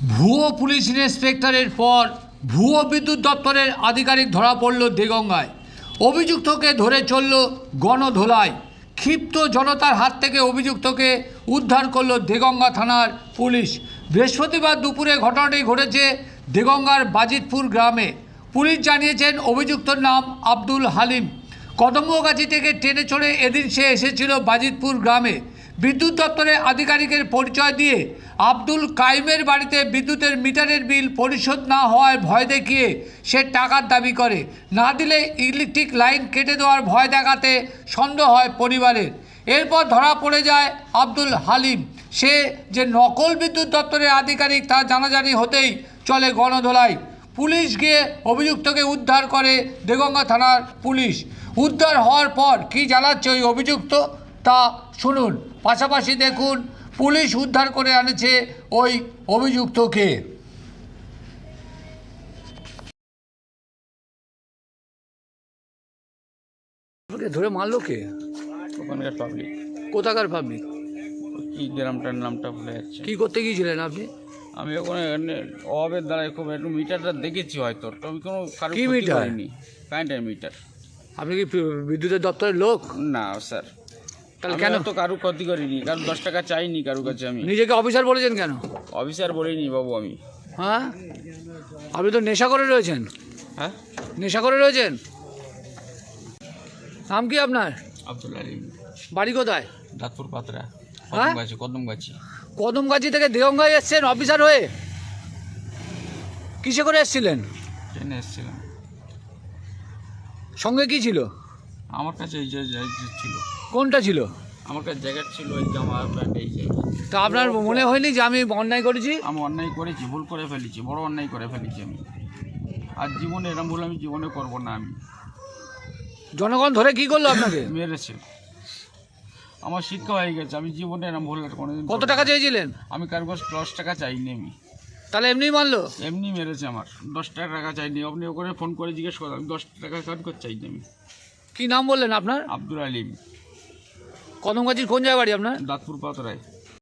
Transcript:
ভুয়ো পুলিশ ইন্সপেক্টরের পর ভুয়ো বিদ্যুৎ দপ্তরের আধিকারিক ধরা পড়ল দেগঙ্গায়। অভিযুক্তকে ধরে চলল গণধোলাই। ক্ষিপ্ত জনতার হাত থেকে অভিযুক্তকে উদ্ধার করল দেগঙ্গা থানার পুলিশ। বৃহস্পতিবার দুপুরে ঘটনাটি ঘটেছে দেগঙ্গার বাজিতপুর গ্রামে। পুলিশ জানিয়েছেন অভিযুক্তর নাম আব্দুল হালিম। কদমগাছি থেকে ট্রেনে চড়ে এদিন সে এসেছিল বাজিতপুর গ্রামে। বিদ্যুৎ দপ্তরের আধিকারিকের পরিচয় দিয়ে আব্দুল কাইমের বাড়িতে বিদ্যুতের মিটারের বিল পরিশোধ না হওয়ার ভয় দেখিয়ে সে টাকার দাবি করে। না দিলে ইলেকট্রিক লাইন কেটে দেওয়ার ভয় দেখাতে সন্দেহ হয় পরিবারের। এরপর ধরা পড়ে যায় আব্দুল হালিম। সে যে নকল বিদ্যুৎ দপ্তরের আধিকারিক তা জানাজানি হতেই চলে গণধোলাই। পুলিশ গিয়ে অভিযুক্তকে উদ্ধার করে দেগঙ্গা থানার পুলিশ। উদ্ধার হওয়ার পর কী জানাচ্ছে ওই অভিযুক্ত তা শুনুন। পাশাপাশি দেখুন পুলিশ উদ্ধার করে আনেছে ওই অভিযুক্তকে। ধরে মারলো কে? ওখানকার পাবলিক। কোথাকার পাবলিক? কি গ্রামটার নামটা ভুলে যাচ্ছে। কি করতে গিয়েছিলেন আপনি? আমি ওখানে অভাবের দ্বারা খুব একটু মিটারটা দেখেছি হয়তো, তো আমি কোনো কারো কি ক্ষতি মিটার? করিনি। কারেন্টের মিটার। আপনি কি বিদ্যুতের দপ্তরের লোক? না স্যার, তাহলে আমি কেন তো কারো ক্ষতি করিনি, কারো 10 টাকা চাইনি কারো কাছে। আমি নিজেকে অফিসার বলেছেন কেন? অফিসার বলিনি বাবু আমি। হ্যাঁ, আপনি তো নেশা করে রয়েছেন। হ্যাঁ, নেশা করে রয়েছেন। নাম কি আপনার? আব্দুল আলিম। বাড়ি কোথায়? দাঁতপুর পাতরা। হ্যাঁ? কদমগাছি। কদমগাছি থেকে দেগঙ্গায় এসছেন অফিসার হয়ে? কিসে করে এসছিলেন? ট্রেনে এসেছিলাম। সঙ্গে কি ছিল? আমার কাছে এই যে ছিল, কোনটা ছিল? আমার কাছে জ্যাকেট ছিল, এই জামা প্যান্ট, এই যে। তা আপনার মনে হয়নি যে আমি অন্যায় করেছি? আমি অন্যায় করেছি, ভুল করে ফেলেছি, বড় অন্যায় করে ফেলেছি আমি। আর জীবনে এরম ভুল আমি জীবনে করবো না। আমি জনগণ ধরে কি করলো আপনাকে? মেরেছে, আমার শিক্ষা হয়ে গেছে। আমি জীবনে এরম ভুল আর কোনোদিন কত টাকা চেয়েছিলেন? আমি কারো কাছে 10 টাকা চাইনি। আমি তাহলে এমনি মানলো? এমনি মেরেছে আমার। 10 টাকা চাইনি। আপনি ওখানে ফোন করে জিজ্ঞেস করলাম, আমি 10 টাকা কার করে চাইনি। আমি কি নাম বললেন আপনার? আব্দুল আলিম। কদমগাছির কোন জায়গায় বাড়ি আপনার? দাঁতপুর পাতরায়।